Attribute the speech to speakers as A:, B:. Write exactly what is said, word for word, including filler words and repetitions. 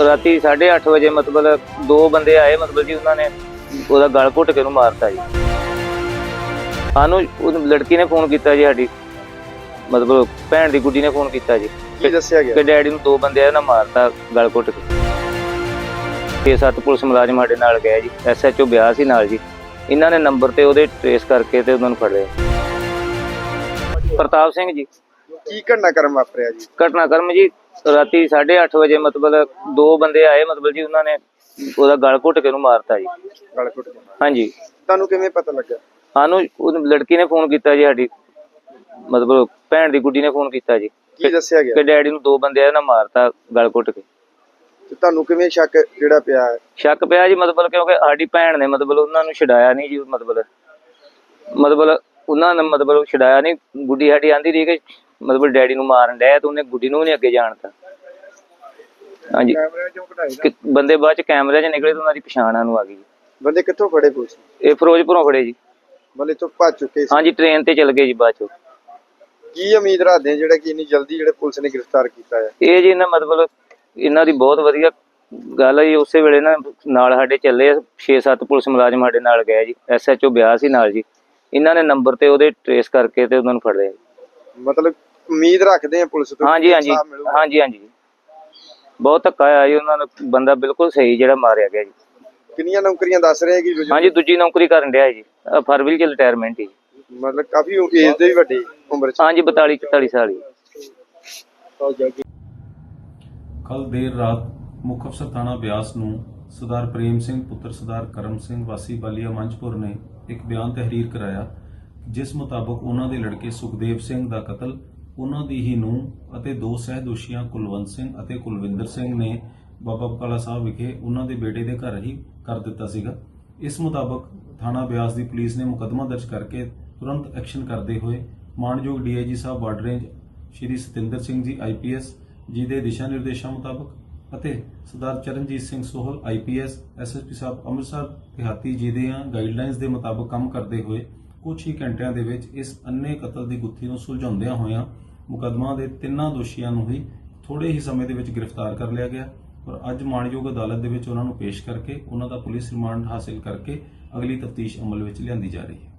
A: ਰਾਤੀ साढ़े अठ बजे मतलब दो बंदे आए मतलब जी उन्होंने ਉਹਦਾ ਗਲ ਘੁੱਟ ਕੇ ਉਹਨੂੰ ਮਾਰਤਾ ਜੀ। ਸਾਨੂੰ ਉਹ ਲੜਕੀ ਨੇ ਫੋਨ ਕੀਤਾ ਜੀ, ਸਾਡੀ ਮਤਲਬ ਭੈਣ ਦੀ ਗੁੱਡੀ ਨੇ ਫੋਨ ਕੀਤਾ ਜੀ।
B: ਕੀ ਦੱਸਿਆ ਗਿਆ
A: ਕਿ ਡੈਡੀ ਨੂੰ ਦੋ ਬੰਦੇ ਆ ਨਾ ਮਾਰਤਾ ਗਲ ਘੁੱਟ ਕੇ। ਛੇ ਸੱਤ ਪੁਲਿਸ ਮੁਲਾਜ਼ਮ ਸਾਡੇ ਨਾਲ ਗਏ ਜੀ, ਐਸ ਐਚ ਓ ਬਿਆਸ ਸੀ ਨਾਲ ਜੀ। ਇਹਨਾਂ ਨੇ ਨੰਬਰ ਤੇ ਉਹਦੇ ਟ੍ਰੇਸ ਕਰਕੇ ਤੇ ਉਹਨਾਂ ਨੂੰ ਫੜ ਲਿਆ। ਪ੍ਰਤਾਪ ਸਿੰਘ ਜੀ।
B: ਕੀ ਘਟਨਾਕ੍ਰਮ ਵਾਪਰਿਆ ਜੀ?
A: ਘਟਨਾਕ੍ਰਮ ਜੀ ਰਾਤੀ ਸਾਢੇ ਅੱਠ ਵਜੇ ਮਤਲਬ ਦੋ ਬੰਦੇ ਆਏ ਮਤਲਬ ਜੀ ਉਹਨਾਂ ਨੇ ਉਹਦਾ ਗਲ ਘੁੱਟ ਕੇ ਉਹਨੂੰ ਮਾਰਤਾ ਜੀ।
B: ਗਲ ਘੁੱਟ ਕੇ?
A: ਹਾਂਜੀ।
B: ਤੁਹਾਨੂੰ ਕਿਵੇਂ ਪਤਾ ਲੱਗਾ?
A: ਸਾਨੂੰ ਉਹ ਲੜਕੀ ਨੇ ਫੋਨ ਕੀਤਾ ਜੀ, ਸਾਡੀ ਮਤਲਬ ਭੈਣ ਦੀ ਗੁੱਡੀ ਨੇ ਫੋਨ ਕੀਤਾ ਜੀ।
B: ਕੀ ਦੱਸਿਆ ਗਿਆ?
A: ਕਿ ਡੈਡੀ ਨੂੰ ਦੋ ਬੰਦੇ ਆ ਨਾ ਮਾਰਤਾ ਗਲ ਘੁੱਟ ਕੇ।
B: ਤੇ ਤੁਹਾਨੂੰ ਕਿਵੇਂ ਸ਼ੱਕ ਜਿਹੜਾ ਪਿਆ ਹੈ?
A: ਸ਼ੱਕ ਪਿਆ ਜੀ ਮਤਲਬ ਕਿਉਂਕਿ ਸਾਡੀ ਭੈਣ ਨੇ ਮਤਲਬ ਉਹਨਾਂ ਨੂੰ ਛਡਾਇਆ ਨਹੀਂ ਜੀ। ਮਤਲਬ ਮਤਲਬ ਉਹਨਾਂ ਨੇ ਮਤਲਬ ਛਡਾਇਆ ਨਹੀਂ। ਗੁੱਡੀ ਸਾਡੀ ਆਂਦੀ ਰਹੀ ਕਿ ਮਤਲਬ ਡੈਡੀ ਨੂੰ ਮਾਰਨ ਡਿਆ ਤੇ ਉਹਨੇ ਗੁੱਡੀ ਨੂੰ ਵੀ ਨਹੀਂ ਅੱਗੇ ਜਾਣਤਾ। ਹਾਂਜੀ। ਬੰਦੇ ਬਾਅਦ ਚ ਕੈਮਰੇ 'ਚ ਨਿਕਲੇ ਤੇ ਉਹਨਾਂ ਦੀ ਪਛਾਣ ਸਾਨੂੰ ਆ ਗਈ।
B: ਬੰਦੇ ਕਿੱਥੋਂ ਫੜੇ ਪੁਲਿਸ? ਇਹ
A: ਫਿਰੋਜ਼ਪੁਰੋਂ ਫੜੇ ਜੀ।
B: ਮਤਲਬ ਇੱਥੋਂ ਭੱਜ ਚੁੱਕੇ ਸੀ?
A: ਹਾਂਜੀ, ਟ੍ਰੇਨ ਤੇ ਚਲ ਗਏ ਜੀ ਬਾਅਦ ਚੋਂ।
B: ਕੀ ਉਮੀਦ ਰੱਖਦੇ ਜਿਹੜਾ ਕਿ ਇੰਨੀ ਜਲਦੀ ਜਿਹੜੇ ਪੁਲਿਸ ਨੇ ਗ੍ਰਿਫਤਾਰ ਕੀਤਾ ਹੈ?
A: ਇਹ ਜੀ ਇਹਨਾਂ ਮਤਲਬ ਇਹਨਾਂ ਦੀ ਬਹੁਤ ਵਧੀਆ ਗੱਲ ਹੈ ਜੀ। ਉਸੇ ਵੇਲੇ ਨਾ ਨਾਲ ਸਾਡੇ ਚੱਲੇ ਛੇ ਸੱਤ ਪੁਲਿਸ ਮੁਲਾਜ਼ਮ ਸਾਡੇ ਨਾਲ ਗਏ ਜੀ, ਐਸ ਐਚ ਓ ਬਿਆਸ ਸੀ ਨਾਲ ਜੀ। ਇਹਨਾਂ ਨੇ ਨੰਬਰ ਤੇ ਉਹਦੇ ਟ੍ਰੇਸ ਕਰਕੇ ਤੇ ਉਹਨਾਂ ਨੂੰ ਫੜ ਲਿਆ।
B: ਮਤਲਬ ਉਮੀਦ ਰੱਖਦੇ ਆ ਪੁਲਿਸ ਤੋਂ?
A: ਹਾਂਜੀ ਹਾਂਜੀ ਹਾਂਜੀ ਹਾਂਜੀ ਬਹੁਤ ਧੱਕਾ ਆਇਆ ਜੀ ਉਹਨਾਂ ਨੂੰ। ਬੰਦਾ ਬਿਲਕੁਲ ਸਹੀ ਜਿਹੜਾ ਮਾਰਿਆ ਗਿਆ ਜੀ।
B: ਕਿੰਨੀਆਂ ਨੌਕਰੀਆਂ ਦੱਸ ਰਹੇ ਕਿ?
A: ਹਾਂਜੀ, ਦੂਜੀ ਨੌਕਰੀ ਕਰਨ ਡਿਆ ਜੀ, ਫਰਵਰੀ ਚ ਰਿਟਾਇਰਮੈਂਟ ਹੀ।
B: ਮਤਲਬ ਕਾਫੀ ਏਜ ਦੇ ਵੀ ਵੱਡੇ ਉਮਰ ਚ?
A: ਹਾਂਜੀ, ਬਤਾਲੀ ਚੁਤਾਲੀ ਸਾਲ ਹੀ।
C: ਕੱਲ ਦੇਰ ਰਾਤ ਮੁੱਖ ਅਫਸਰ ਥਾਣਾ ਬਿਆਸ ਨੂੰ ਸਰਦਾਰ ਪ੍ਰੇਮ ਸਿੰਘ ਪੁੱਤਰ ਸਰਦਾਰ ਕਰਮ ਸਿੰਘ ਵਾਸੀ ਬਾਲੀਆ ਮੰਚਪੁਰ ਨੇ ਇੱਕ ਬਿਆਨ ਤਹਿਰੀਰ ਕਰਾਇਆ, ਜਿਸ ਮੁਤਾਬਕ ਉਹਨਾਂ ਦੇ ਲੜਕੇ ਸੁਖਦੇਵ ਸਿੰਘ ਦਾ ਕਤਲ ਉਹਨਾਂ ਦੀ ਹੀ ਨੂੰਹ ਅਤੇ ਦੋ ਸਹਿ ਦੋਸ਼ੀਆਂ ਕੁਲਵੰਤ ਸਿੰਘ ਅਤੇ ਕੁਲਵਿੰਦਰ ਸਿੰਘ ਨੇ ਬਾਬਾ ਬਕਾਲਾ ਸਾਹਿਬ ਵਿਖੇ ਉਹਨਾਂ ਦੇ ਬੇਟੇ ਦੇ ਘਰ ਹੀ ਕਰ ਦਿੱਤਾ ਸੀਗਾ। ਇਸ ਮੁਤਾਬਕ ਥਾਣਾ ਬਿਆਸ ਦੀ ਪੁਲਿਸ ਨੇ ਮੁਕੱਦਮਾ ਦਰਜ ਕਰਕੇ ਤੁਰੰਤ ਐਕਸ਼ਨ ਕਰਦੇ ਹੋਏ ਮਾਣਯੋਗ D I G sahib border range Shri Satinder Singh ji I P S ਜੀ ਦੇ ਦਿਸ਼ਾ ਨਿਰਦੇਸ਼ਾਂ ਮੁਤਾਬਕ ਅਤੇ Sardar Charanjit Singh Sohal I P S S S P sahib Amritsar ਦਿਹਾਤੀ ਜੀ ਦੇ ਗਾਈਡਲਾਈਨਸ ਦੇ ਮੁਤਾਬਕ ਕੰਮ ਕਰਦੇ ਹੋਏ ਕੁਝ ਹੀ ਘੰਟਿਆਂ ਦੇ ਵਿੱਚ ਇਸ ਅੰਨੇ ਕਤਲ ਦੀ ਗੁੱਥੀ ਨੂੰ ਸੁਲਝਾਉਂਦਿਆਂ ਹੋਇਆਂ ਮੁਕੱਦਮਾ ਦੇ ਤਿੰਨਾਂ ਦੋਸ਼ੀਆਂ ਨੂੰ ਹੀ ਥੋੜੇ ਹੀ ਸਮੇਂ ਦੇ ਵਿੱਚ ਗ੍ਰਿਫਤਾਰ ਕਰ ਲਿਆ ਗਿਆ ਔਰ ਅੱਜ ਮਾਣਯੋਗ ਅਦਾਲਤ ਦੇ ਵਿੱਚ ਉਹਨਾਂ ਨੂੰ ਪੇਸ਼ ਕਰਕੇ ਉਹਨਾਂ ਦਾ ਪੁਲਿਸ ਰਿਮਾਂਡ ਹਾਸਿਲ ਕਰਕੇ ਅਗਲੀ ਤਫਤੀਸ਼ ਅਮਲ ਵਿੱਚ ਲਿਆਂਦੀ ਜਾ ਰਹੀ ਹੈ।